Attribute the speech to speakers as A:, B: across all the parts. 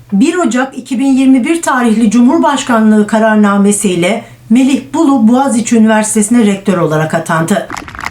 A: 1 Ocak 2021 tarihli Cumhurbaşkanlığı kararnamesiyle Melih Bulu Boğaziçi Üniversitesi'ne rektör olarak atandı.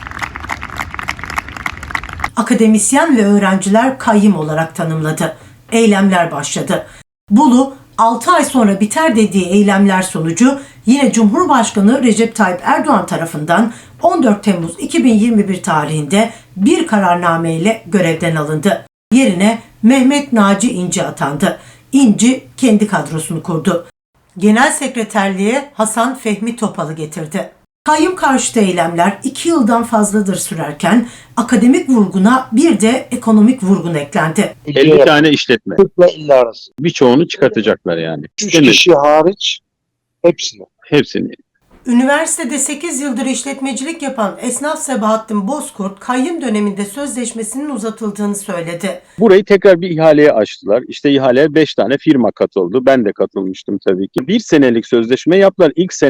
A: Akademisyen ve öğrenciler kayyım olarak tanımladı. Eylemler başladı. Bulu, 6 ay sonra biter dediği eylemler sonucu yine Cumhurbaşkanı Recep Tayyip Erdoğan tarafından 14 Temmuz 2021 tarihinde bir kararnameyle görevden alındı. Yerine Mehmet Naci İnci atandı. İnci kendi kadrosunu kurdu. Genel sekreterliğe Hasan Fehmi Topal'ı getirdi. Kayyum karşıtı eylemler 2 yıldan fazladır sürerken akademik vurguna bir de ekonomik vurgun eklendi.
B: 50 tane işletme.
C: 40 ile 50 arası.
B: Birçoğunu çıkartacaklar yani.
C: 3 kişi hariç hepsini.
B: Hepsini.
A: Üniversitede 8 yıldır işletmecilik yapan esnaf Sebahattin Bozkurt, kayyum döneminde sözleşmesinin uzatıldığını söyledi.
B: Burayı tekrar bir ihaleye açtılar. İşte ihaleye 5 tane firma katıldı. Ben de katılmıştım tabii ki. 1 senelik sözleşme yaptılar.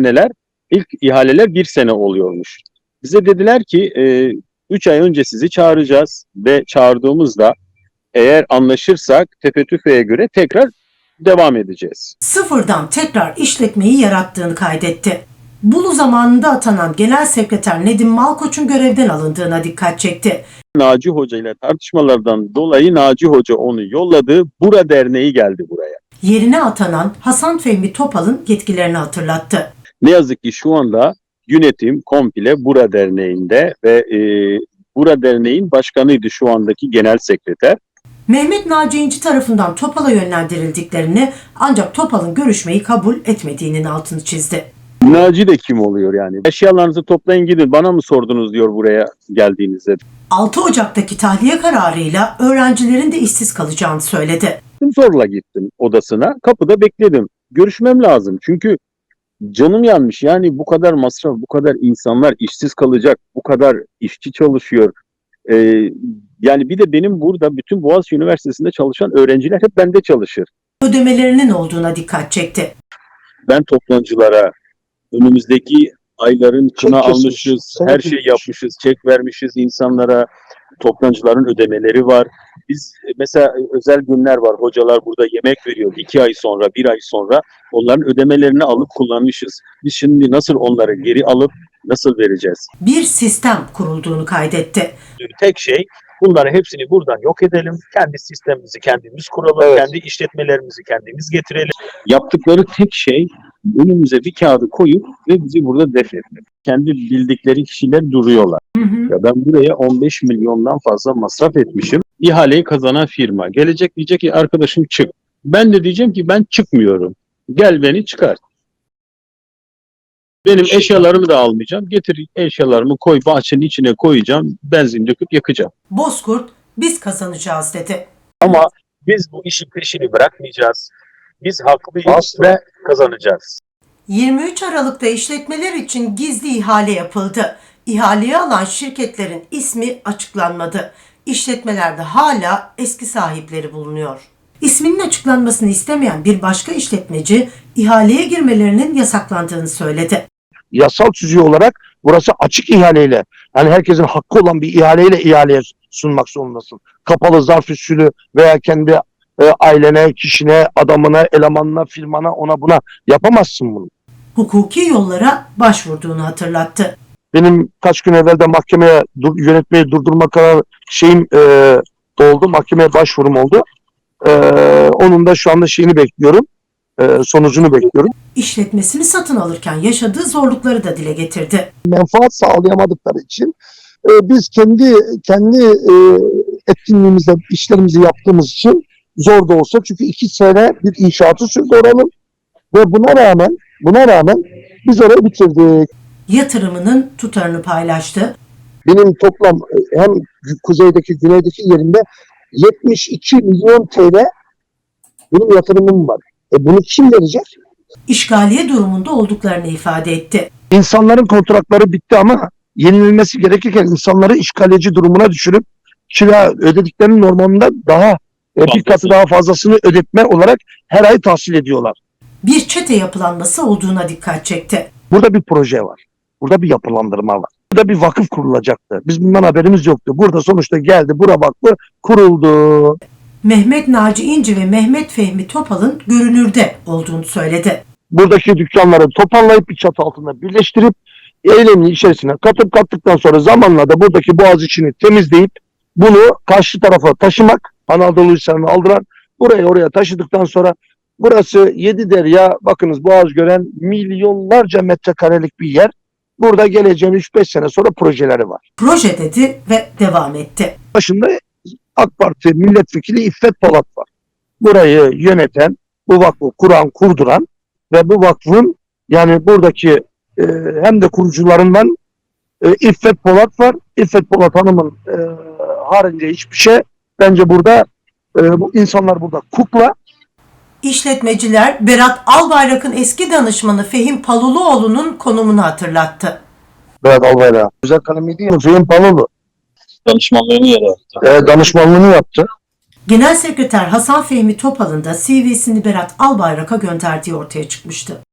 B: İlk ihaleler 1 sene oluyormuş. Bize dediler ki 3 ay önce sizi çağıracağız ve çağırdığımızda eğer anlaşırsak tefe-tüfeğe göre tekrar devam edeceğiz.
A: Sıfırdan tekrar işletmeyi yarattığını kaydetti. Bulu zamanında atanan Genel Sekreter Nedim Malkoç'un görevden alındığına dikkat çekti.
B: Naci Hoca ile tartışmalardan dolayı Naci Hoca onu yolladı. Bura Derneği geldi buraya.
A: Yerine atanan Hasan Fehmi Topal'ın yetkilerini hatırlattı.
B: Ne yazık ki şu anda yönetim komple Bura Derneği'nde ve Bura Derneği'nin başkanıydı şu andaki genel sekreter.
A: Mehmet Naci İnci tarafından Topal'a yönlendirildiklerini ancak Topal'ın görüşmeyi kabul etmediğinin altını çizdi.
B: Naci de kim oluyor yani? Eşyalarınızı toplayın gidin, bana mı sordunuz diyor buraya geldiğinizde.
A: 6 Ocak'taki tahliye kararıyla öğrencilerin de işsiz kalacağını söyledi.
B: Zorla gittim odasına, kapıda bekledim. Görüşmem lazım çünkü canım yanmış. Yani bu kadar masraf, bu kadar insanlar işsiz kalacak, bu kadar işçi çalışıyor. Yani bir de benim burada bütün Boğaziçi Üniversitesi'nde çalışan öğrenciler hep bende çalışır.
A: Ödemelerinin olduğuna dikkat çekti.
B: Ben toptancılara önümüzdeki ayların kına
C: Çek
B: almışız,
C: kesmiş,
B: her şey yapmışız, çek vermişiz insanlara, toptancıların ödemeleri var. Biz mesela özel günler var, hocalar burada yemek veriyor 2 ay sonra, 1 ay sonra onların ödemelerini alıp kullanmışız. Biz şimdi nasıl onları geri alıp nasıl vereceğiz?
A: Bir sistem kurulduğunu kaydetti.
D: Tek şey bunları hepsini buradan yok edelim. Kendi sistemimizi kendimiz kuralım.
C: Evet.
D: Kendi işletmelerimizi kendimiz getirelim.
B: Yaptıkları tek şey önümüze bir kağıdı koyup ve bizi burada def etmek. Kendi bildikleri kişiler duruyorlar. Ya ben buraya 15 milyondan fazla masraf etmişim. İhaleyi kazanan firma gelecek diyecek ki arkadaşım çık. Ben de diyeceğim ki ben çıkmıyorum. Gel beni çıkart. Benim eşyalarımı da almayacağım. Getir eşyalarımı koy bahçenin içine koyacağım. Benzin döküp yakacağım.
A: Bozkurt, biz kazanacağız dedi.
D: Ama biz bu işin peşini bırakmayacağız. Biz haklıyız
C: Asla.
D: ve kazanacağız.
A: 23 Aralık'ta işletmeler için gizli ihale yapıldı. İhaleyi alan şirketlerin ismi açıklanmadı. İşletmelerde hala eski sahipleri bulunuyor. İsminin açıklanmasını istemeyen bir başka işletmeci ihaleye girmelerinin yasaklandığını söyledi.
C: Yasal tüzüğü olarak burası açık ihaleyle, yani herkesin hakkı olan bir ihaleyle ihaleye sunmak zorundasın. Kapalı zarf usulü veya kendi ailene, kişine, adamına, elemanına, firmana, ona buna yapamazsın bunu.
A: Hukuki yollara başvurduğunu hatırlattı.
C: Benim kaç gün evvel de mahkemeye yönetmeyi durdurma kararı oldu. Mahkemeye başvurum oldu. Onun da şu anda bekliyorum. Sonucunu bekliyorum.
A: İşletmesini satın alırken yaşadığı zorlukları da dile getirdi.
C: Menfaat sağlayamadıkları için biz kendi etkinliğimizde işlerimizi yaptığımız için zor da olsa, çünkü 2 sene bir inşaatı sürdü oranın ve buna rağmen biz orayı bitirdik.
A: Yatırımının tutarını paylaştı.
C: Benim toplam hem kuzeydeki güneydeki yerinde 72 milyon TL benim yatırımım var. Bunu kim verecek?
A: İşgaliye durumunda olduklarını ifade etti.
C: İnsanların kontratları bitti ama yenilmesi gerekirken insanları işgalci durumuna düşürüp kira ödediklerinin normalinde daha bir katı daha fazlasını ödetme olarak her ay tahsil ediyorlar.
A: Bir çete yapılanması olduğuna dikkat çekti.
C: Burada bir proje var. Burada bir yapılandırma var. Burada bir vakıf kurulacaktı. Biz bundan haberimiz yoktu. Burada sonuçta geldi, Bura Vakfı kuruldu.
A: Mehmet Naci İnci ve Mehmet Fehmi Topal'ın görünürde olduğunu söyledi.
C: Buradaki dükkanları toparlayıp bir çatı altında birleştirip eylemin içerisine kattıktan sonra zamanla da buradaki boğaz içini temizleyip bunu karşı tarafa taşımak, Anadolu Hisarı'nı aldıran, oraya taşıdıktan sonra burası 7 derya, bakınız boğaz gören milyonlarca metrekarelik bir yer. Burada geleceğin 3-5 sene sonra projeleri var.
A: Proje dedi ve devam etti.
C: Başında AK Parti milletvekili İffet Polat var. Burayı yöneten, bu vakfı kurduran ve bu vakfın yani buradaki hem de kurucularından İffet Polat var. İffet Polat Hanım'ın haricinde hiçbir şey. Bence burada bu insanlar burada kukla.
A: İşletmeciler Berat Albayrak'ın eski danışmanı Fehim Paluluoğlu'nun konumunu hatırlattı.
C: Berat Albayrak. Güzel kalemiydi ya. Fehim Palulu.
D: Danışmanlığını yarattı.
C: Danışmanlığını yaptı.
A: Genel Sekreter Hasan Fehmi Topal'ın da CV'sini Berat Albayrak'a gönderdiği ortaya çıkmıştı.